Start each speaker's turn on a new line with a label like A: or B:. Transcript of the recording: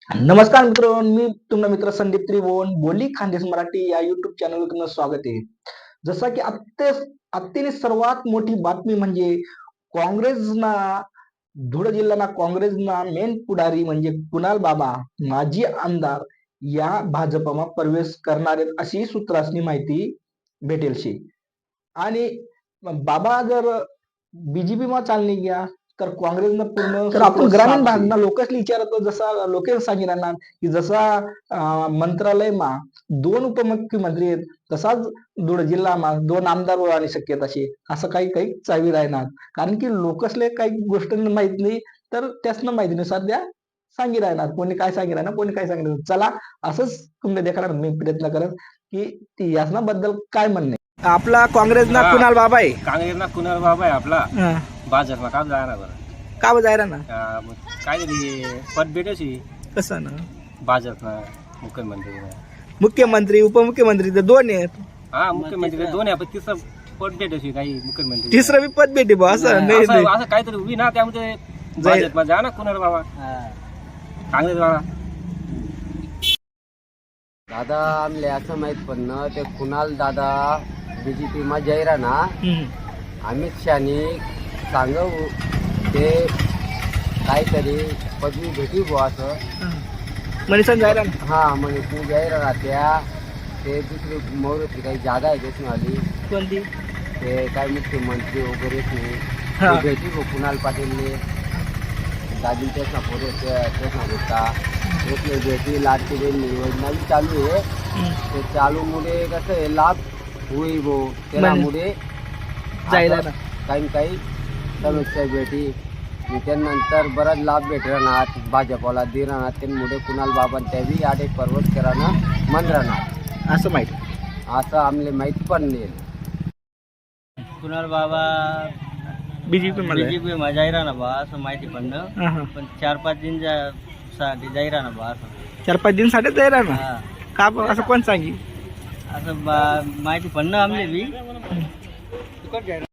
A: नमस्कार मित्रांनो, मी तुमचा मित्र संदीप त्रिभुवन बोली खानदेश मराठी या युट्यूब चॅनलवर तुमचं स्वागत आहे. जसं की आत्तेने सर्वात मोठी बातमी म्हणजे काँग्रेसना धुळे जिल्ह्याना काँग्रेसना मेन पुढारी म्हणजे कुणाल बाबा माजी आमदार या भाजपमा प्रवेश करणार आहेत अशी सूत्रांनी माहिती भेटेल शे. आणि बाबा जर बीजेपीमा चालली गया तर काँग्रेसनं पूर्ण तर आपण ग्रामीण भागना लोकेसले विचारतो जसा लोकेस सांगितलं की जसा मंत्रालयमा 2 उपमुख्यमंत्री आहेत तसाच धुळे जिल्हामा 2 आमदार होण्याची शक्यता शे असं काही काही चावी राहणार कारण की लोकसले काही गोष्ट माहित नाही तर त्यासनं माहिती सध्या सांगी राहणार कोणी काय सांगी राहणार कोणी काय सांगितलं चला असंच तुम्ही देखाणार मी प्रयत्न करत की यासना बद्दल काय म्हणणे आपला काँग्रेसना कुणाल बाबा आहे
B: काँग्रेसना कुणाल बाबा आहे आपला भाजपमा काम जाणार बरं
A: का जायरा ना
B: काय तरी पद भेटायची
A: कसं ना
B: भाजपना
A: मुख्यमंत्री उपमुख्यमंत्री तर 2 आहेत
B: हा मुख्यमंत्री 2 आहे पण तिसरं पद भेटायची काही मुख्यमंत्री
A: तिसरं बी पद भेटे बा असं नाही
B: असं काहीतरी उभी ना त्यामध्ये भाजपमा जा ना कुणाल बाबा काँग्रेस बाबा
C: दादा आमले असं माहित पण ते कुणाल दादा बीजेपी मा जाईरा ना अमित शहानी सांगू ते काहीतरी पदवी भेटी बो असं
A: मनीषा जायरा
C: हा म्हणे तू जाईरा ना ते दुसरी मोहरती काही जागा आहे त्याची आली
A: कोणती
C: ते काय मुख्यमंत्री वगैरे नाही भेटी बो कुणाल पाटीलने दादी त्याचा पुढे त्याचा होता एक भेटी लाडकी बहीण योजना भी चालू आहे ते चालू मुळे कसं आहे लाभ होई बो त्यामुळे
A: जायला ना
C: काही समस्या भेटी त्यानंतर बराच लाभ भेटणार भाजपला दे राहणार त्यामुळे कुणाल बाबा त्यावी आडे पर्वत करानं मन राहणार
A: असं माहिती
C: असं आम्हाला माहिती पण नाही
B: कुणाल बाबा
A: बीजेपी
B: मा जाईरा ना बा असं माहिती पडणं पण 4-5 दिन साठी जाईरा ना बा असं
A: 4-5 दिन साठी जायरा ना का असं कोण सांगी
B: असं माहिती पडणं आमले बी